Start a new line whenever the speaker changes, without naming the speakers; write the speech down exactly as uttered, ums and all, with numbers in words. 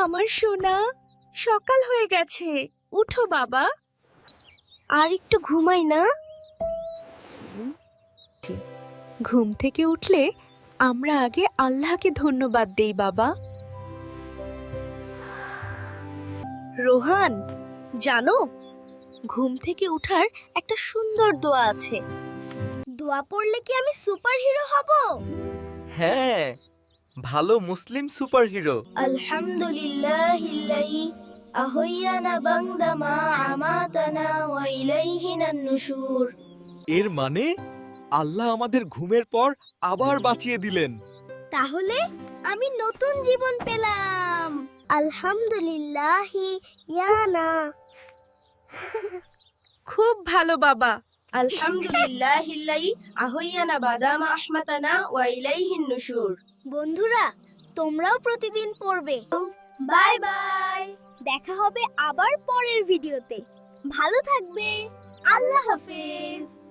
আমার সোনা, সকাল হয়ে গেছে, উঠো বাবা।
আর একটু ঘুমাই না?
ঘুম থেকে উঠলে আমরা আগে আল্লাহকে ধন্যবাদ দেই বাবা।
রোহান, জানো ঘুম থেকে উঠার একটা সুন্দর দোয়া আছে। দোয়া পড়লে কি আমি সুপারহিরো হব?
হ্যাঁ, ভালো মুসলিম সুপারহিরো।
আলহামদুলিল্লাহিল্লাযী আহইয়ানা বা'দা মা আমাতানা ওয়া ইলাইহিনান নুশুর।
এর মানে আল্লাহ আমাদের ঘুমের পর আবার বাঁচিয়ে দিলেন।
তাহলে আমি নতুন জীবন পেলাম। আলহামদুলিল্লাহি ইয়ানা।
খুব ভালো বাবা।
আলহামদুলিল্লাহিল্লাযী আহইয়ানা বা'দা মা আমাতানা ওয়া ইলাইহিন নুশুর। বন্ধুরা, তোমরাও প্রতিদিন পড়বে। Bye bye. দেখা হবে আবার পরের ভিডিওতে। ভালো থাকবে। আল্লাহ হাফেজ।